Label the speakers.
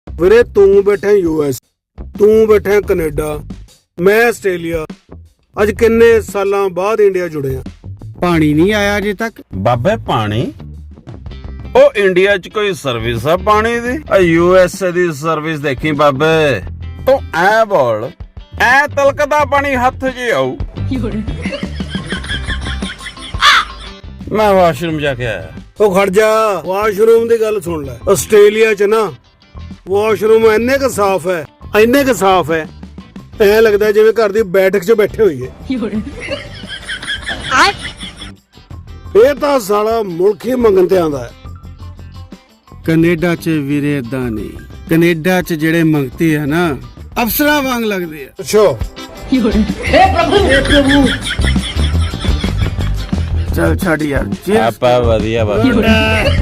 Speaker 1: ਵੀਰੇ ਤੂੰ ਬੈਠਾ US, ਤੂੰ ਬੈਠਾ ਕੈਨੇਡਾ, ਮੈਂ ਆਸਟ੍ਰੇਲੀਆ। ਅੱਜ ਕਿੰਨੇ ਸਾਲਾਂ ਬਾਅਦ ਇੰਡੀਆ ਜੁੜੇ ਆ।
Speaker 2: ਪਾਣੀ ਨਹੀਂ ਆਇਆ ਅਜੇ ਤੱਕ।
Speaker 3: ਬਾਬੇ ਪਾਣੀ ਉਹ ਇੰਡੀਆ 'ਚ ਕੋਈ ਸਰਵਿਸ ਆ ਪਾਣੀ ਦੀ? USA ਦੀ ਸਰਵਿਸ ਦੇਖੀ ਬਾਬੇ। ਤੂੰ ਐ ਬੋਲ, ਐ ਤਲਕਦਾ ਪਾਣੀ ਹੱਥ 'ਚ ਆਊ। ਮੈਂ ਵਾਸ਼ਰੂਮ ਜਾ ਕੇ ਆਇਆ।
Speaker 1: ਉਹ ਖੜ ਜਾ, ਵਾਸ਼ਰੂਮ ਦੀ ਗੱਲ ਸੁਣ ਲੈ। ਆਸਟ੍ਰੇਲੀਆ 'ਚ ਨਾ ਵਾਸ਼ਰੂਮ ਇੰਨੇ ਕੁ ਸਾਫ਼ ਹੈ, ਇੰਨੇ ਕੁ ਸਾਫ਼ ਹੈ, ਐ ਲੱਗਦਾ ਜਿਵੇਂ ਘਰ ਦੀ ਬੈਠਕ 'ਚ ਬੈਠੇ ਹੋਈਏ। ਇਹ ਤਾਂ ਸਾਲਾ ਮੁਲਕ ਹੀ ਮੰਗਣ ਤੇ ਆਂਦਾ ਹੈ।
Speaker 2: ਕੈਨੇਡਾ 'ਚ ਵੀਰੇ ਏਦਾਂ ਨਹੀਂ। ਕੈਨੇਡਾ 'ਚ ਜਿਹੜੇ ਮੰਗਤੇ ਆ ਨਾ, ਅਫਸਰਾਂ ਵਾਂਗ ਲੱਗਦੇ ਆ।
Speaker 1: ਅੱਛਾ
Speaker 2: ਚੱਲ ਛੱਡ ਯਾਰ।
Speaker 3: ਆਪਾਂ ਵਧੀਆ ਬਾਬੇ।